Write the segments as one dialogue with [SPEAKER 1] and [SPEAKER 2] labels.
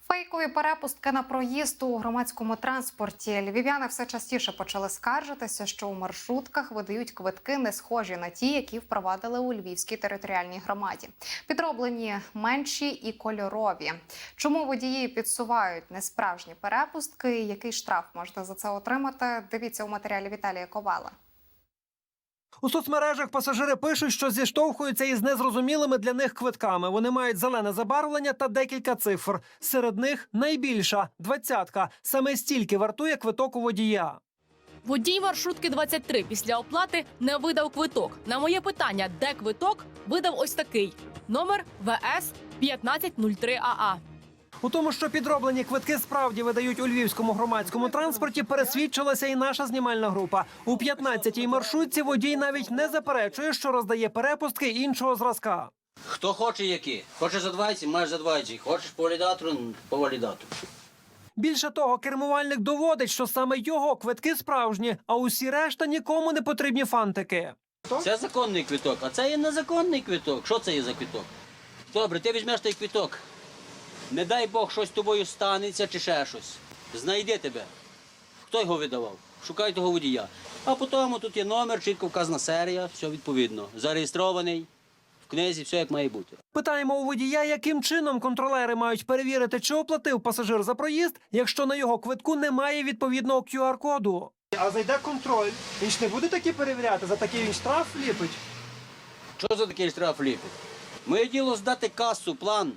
[SPEAKER 1] Фейкові перепустки на проїзд у громадському транспорті. Львів'яни все частіше почали скаржитися, що у маршрутках видають квитки, не схожі на ті, які впровадили у Львівській територіальній громаді. Підроблені менші і кольорові. Чому водії підсувають несправжні перепустки і який штраф можна за це отримати? Дивіться у матеріалі Віталія Ковала.
[SPEAKER 2] У соцмережах пасажири пишуть, що зіштовхуються із незрозумілими для них квитками. Вони мають зелене забарвлення та декілька цифр. Серед них найбільша – 20-ка. Саме стільки вартує квиток у водія.
[SPEAKER 3] Водій маршрутки 23 після оплати не видав квиток. На моє питання, де квиток, видав ось такий. Номер ВС 1503АА.
[SPEAKER 2] У тому, що підроблені квитки справді видають у львівському громадському транспорті, пересвідчилася і наша знімальна група. У 15-й маршрутці водій навіть не заперечує, що роздає перепустки іншого зразка.
[SPEAKER 4] Хто хоче які? Хочеш за 20 – маєш за 20. Хочеш по валідатору – по валідатору.
[SPEAKER 2] Більше того, кермувальник доводить, що саме його квитки справжні, а усі решта нікому не потрібні фантики.
[SPEAKER 4] Це законний квиток, а це є незаконний квиток. Що це є за квиток? Добре, ти візьмеш той квиток. Не дай Бог, щось з тобою станеться чи ще щось. Знайди тебе. Хто його видавав? Шукай того водія. А потім тут є номер, чітко вказана серія, все відповідно. Зареєстрований, в книзі, все як має бути.
[SPEAKER 2] Питаємо у водія, яким чином контролери мають перевірити, чи оплатив пасажир за проїзд, якщо на його квитку немає відповідного QR-коду. А зайде контроль. Він ж не буде такі перевіряти, за такий він штраф ліпить.
[SPEAKER 4] Що за такий штраф ліпить? Моє діло здати касу, план.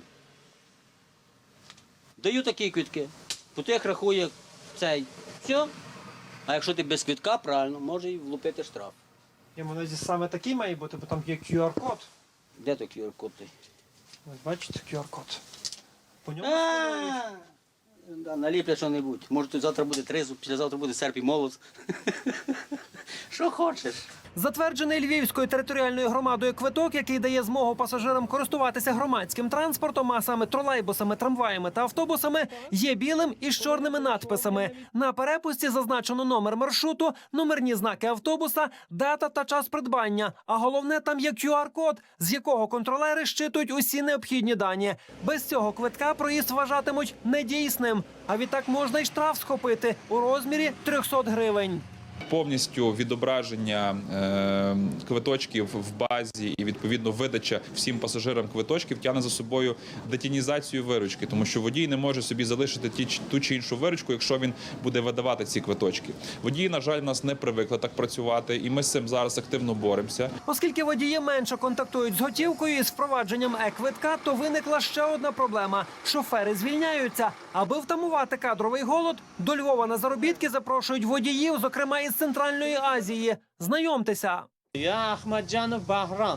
[SPEAKER 4] Даю такі квитки, по тих рахує цей. Все. А якщо ти без квитка, правильно, може і влупити штраф.
[SPEAKER 2] Йому саме такий має бути, бо там є QR-код.
[SPEAKER 4] Де той QR-код?
[SPEAKER 2] Ось бачите, QR-код. По ньому
[SPEAKER 4] Да, наліплять що-небудь. Може тут завтра буде тризуб, післязавтра буде серп і молот. Що хочеш.
[SPEAKER 2] Затверджений Львівською територіальною громадою квиток, який дає змогу пасажирам користуватися громадським транспортом, а саме тролейбусами, трамваями та автобусами, є білим із чорними надписами. На перепустці зазначено номер маршруту, номерні знаки автобуса, дата та час придбання. А головне, там є QR-код, з якого контролери щитують усі необхідні дані. Без цього квитка проїзд вважатимуть недійсним. А відтак можна й штраф схопити у розмірі 300 гривень.
[SPEAKER 5] Повністю відображення квиточків в базі і, відповідно, видача всім пасажирам квиточків тягне за собою детінізацію виручки, тому що водій не може собі залишити ту чи іншу виручку, якщо він буде видавати ці квиточки. Водії, на жаль, в нас не привикли так працювати, і ми з цим зараз активно боремося.
[SPEAKER 2] Оскільки водії менше контактують з готівкою і з впровадженням е-квитка, то виникла ще одна проблема – шофери звільняються. Аби втамувати кадровий голод, до Львова на заробітки запрошують водіїв, зокрема із Центральної Азії. Знайомтеся.
[SPEAKER 6] Я Ахмаджанов Баграм.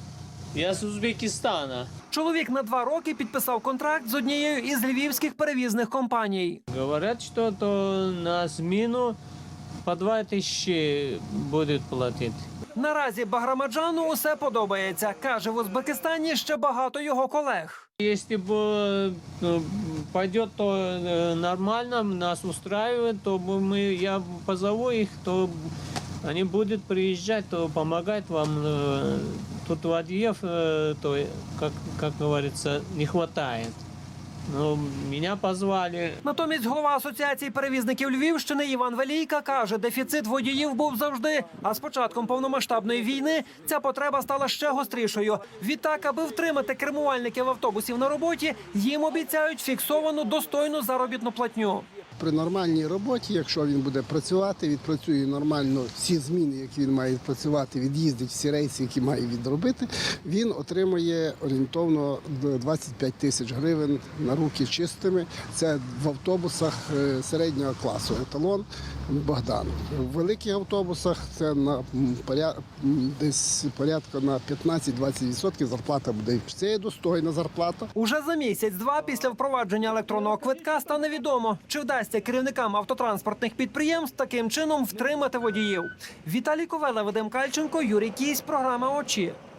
[SPEAKER 6] Я з Узбекистана.
[SPEAKER 2] Чоловік на 2 роки підписав контракт з однією із львівських перевізних компаній.
[SPEAKER 6] Говорять, що то на зміну по 2000 будуть платити.
[SPEAKER 2] Наразі Баграмаджану усе подобається. Каже, в Узбекистані ще багато його колег.
[SPEAKER 6] Если бы пойдет, то нормально, нас устраивает, то я позову их, то они будут приезжать, то помогать вам. Тут водіїв, то, как говорится, не хватает. Ну, мене позвали.
[SPEAKER 2] Натомість голова Асоціації перевізників Львівщини Іван Велійка каже, дефіцит водіїв був завжди. А з початком повномасштабної війни ця потреба стала ще гострішою. Відтак, аби втримати кермувальників автобусів на роботі, їм обіцяють фіксовану достойну заробітну платню.
[SPEAKER 7] При нормальній роботі, якщо він буде працювати, відпрацює нормально всі зміни, які він має відпрацювати, від'їздить всі рейси, які має відробити, він отримує орієнтовно 25 тисяч гривень на руки чистими. Це в автобусах середнього класу. Еталон Богдан. В великих автобусах це десь порядка на 15-20% зарплата буде. Це є достойна зарплата.
[SPEAKER 2] Уже за місяць-два після впровадження електронного квитка стане відомо, чи вдасться керівникам автотранспортних підприємств таким чином втримати водіїв. Віталій Ковела, Вадим Кальченко, Юрій Кісь, програма «Очі».